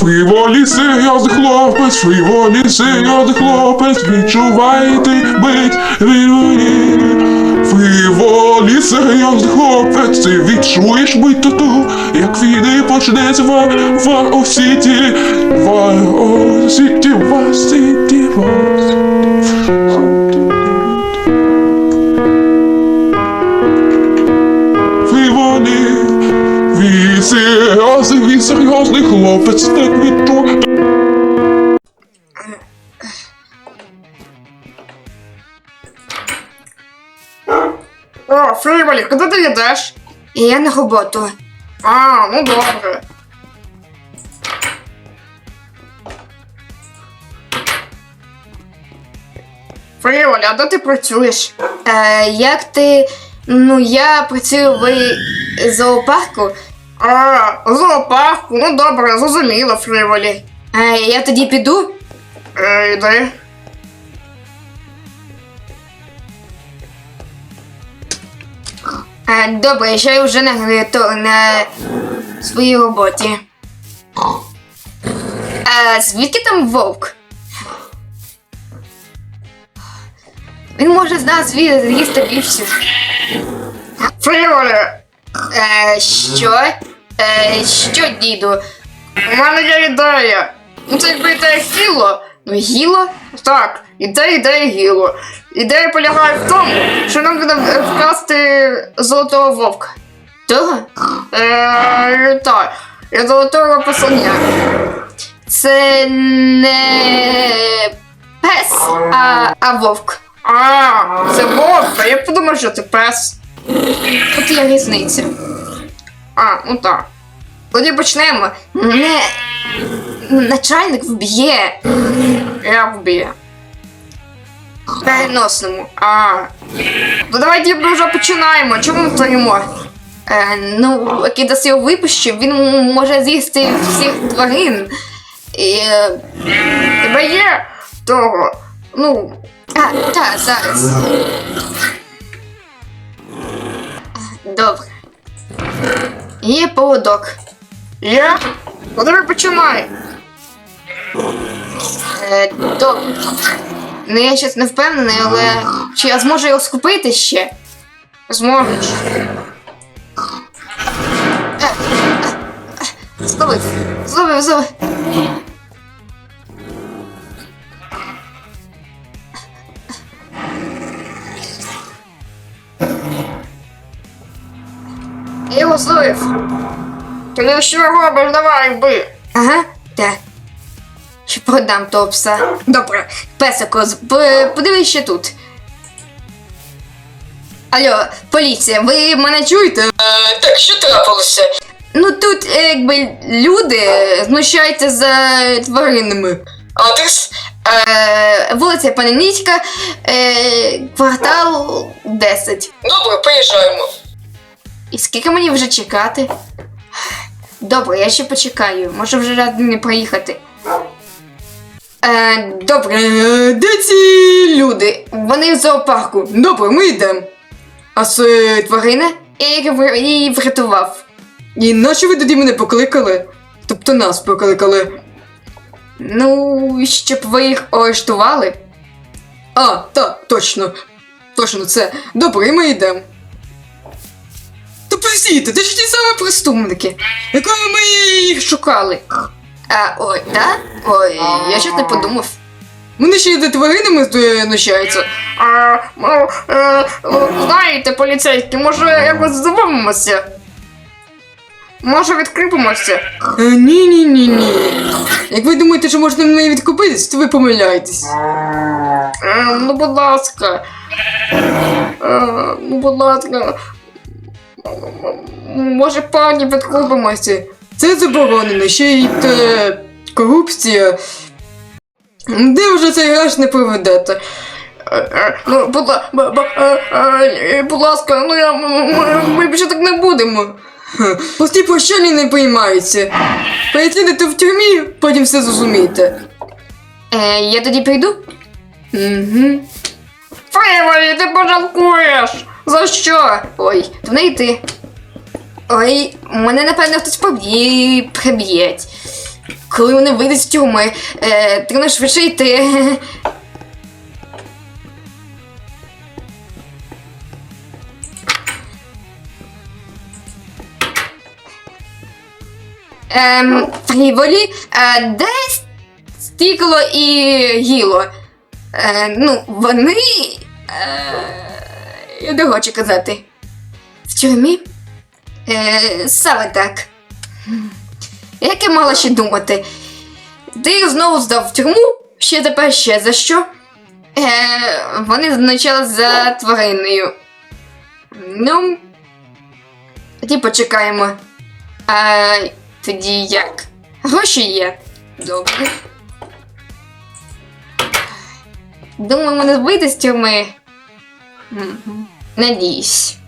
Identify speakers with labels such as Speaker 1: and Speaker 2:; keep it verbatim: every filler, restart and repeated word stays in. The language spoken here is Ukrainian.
Speaker 1: Фріволі серйозний хлопець, фріволі серйозний хлопець, відчувайте бить фріволі. Фріволі серйозний хлопець, ти відчуєш бить тату, як війни почнеться в Вар-О-Сіті, Вар-О-Сіті, Вар-Сіті, Вар-Сіті. Фріволі, він серйозний, він серйозний хлопець, так відчує.
Speaker 2: О, Фріволі, куди ти йдеш?
Speaker 3: Я на роботу.
Speaker 2: А, ну добре. Фріволі, а де ти працюєш?
Speaker 3: Е, як ти. Ну, я працюю в зоопарку.
Speaker 2: А, зоопарку, ну добре, зрозуміло, Фріволі.
Speaker 3: Е, я тоді піду.
Speaker 2: Е, йди.
Speaker 3: Е, добре, що я вже на, то, на своїй роботі. Е, звідки там вовк? Він може з нас з'їсти більше.
Speaker 2: Фріволі,
Speaker 3: Е, що? Е, що, діду?
Speaker 2: у мене є ідея. Ну це якби ідея гіло.
Speaker 3: Ну, гіло?
Speaker 2: Так, ідея, ідея гіло. Ідея полягає в тому, що нам треба вкрасти золотого вовка.
Speaker 3: Того?
Speaker 2: Е, так, я золотого послання.
Speaker 3: Це не пес, а, а вовк.
Speaker 2: А, це вовк, я подумав, що це пес.
Speaker 3: От є різниця.
Speaker 2: А, ну так.
Speaker 3: Тоді почнемо. Не... Начальник вб'є.
Speaker 2: Як вб'є?
Speaker 3: Переносному.
Speaker 2: А. Ну давайте ми вже починаємо. Чому ми стоїмо?
Speaker 3: Е, ну, як дасть його випущу, він м- може з'їсти всіх тварин. І, е,
Speaker 2: Тебе є того? Ну,
Speaker 3: а, так, зараз. Добре. Є поводок.
Speaker 2: є? Ну давай починай.
Speaker 3: Е, добре. Ну, я щось не впевнений, але чи я зможу його схопити ще?
Speaker 2: Зможеш.
Speaker 3: Зловив. Зловив, зловив. Я його зловив.
Speaker 2: Ти що робиш? Давай вбий.
Speaker 3: Ага, так. Ще продам того пса. Добре, песико, з- п- подивись ще тут. Алло, поліція, ви мене чуєте?
Speaker 4: Е, так, що трапилося?
Speaker 3: Ну тут, е, якби, люди знущаються за тваринами.
Speaker 4: Адрес?
Speaker 3: Е, вулиця Паниницька, е, квартал десять.
Speaker 4: Добре, приїжджаємо.
Speaker 3: І скільки мені вже чекати? Добре, я ще почекаю. Може вже рад не приїхати. Е, добре, е, де ці люди? Вони в зоопарку. Добре, ми йдемо. А це тварина? Я її вр- її врятував. І нащо ви тоді мене покликали? Тобто нас покликали. Ну, щоб ви їх арештували. А, так, точно. Точно це. Добре, ми йдемо. Та простіть, це ж ті самі преступники, якими ми їх шукали. А, ой, так? Ой, я щось не подумав. Вони ще й за тваринами знущаються.
Speaker 2: А, ну, е, ну, знаєте, поліцейські, може якось здивимося? Може відкріпимося?
Speaker 3: Е, Ні-ні-ні-ні. Як ви думаєте, що можна мене відкупитись, то ви помиляєтесь.
Speaker 2: Е, ну, будь ласка. Е, ну, будь ласка. Може, пані відкупимося?
Speaker 3: Це заборонено, ще й те... корупція. Де вже цей граш не проведете?
Speaker 2: Е, е, ну, будь, ла- б- б- е, е, будь ласка, ну я, м- м- ми більше так не будемо.
Speaker 3: Пусті прощальні не приймаються. Переслідуйте в тюрмі, потім все зрозумієте. Е, я тоді прийду? Угу.
Speaker 2: Фріволі, ти пожалкуєш! За що?
Speaker 3: Ой, то не йти. Ой, мене напевно хтось поб'є, приб'є. коли вони вийдуть з тюрми. Е, треба швидше йти. Ем, Фріволі, е, де Стікло і Гіло? Е, ну, вони. Е, я не хочу казати. В тюрмі? Е, саме так. Як я мала ще думати? Ти їх знову здав в тюрму? Ще тепер ще за що? Е, вони значали за твариною. Ну. Тоді почекаємо. А тоді як? Гроші є. Добре. Думаю, мене вийде з тюрми. Надіюсь.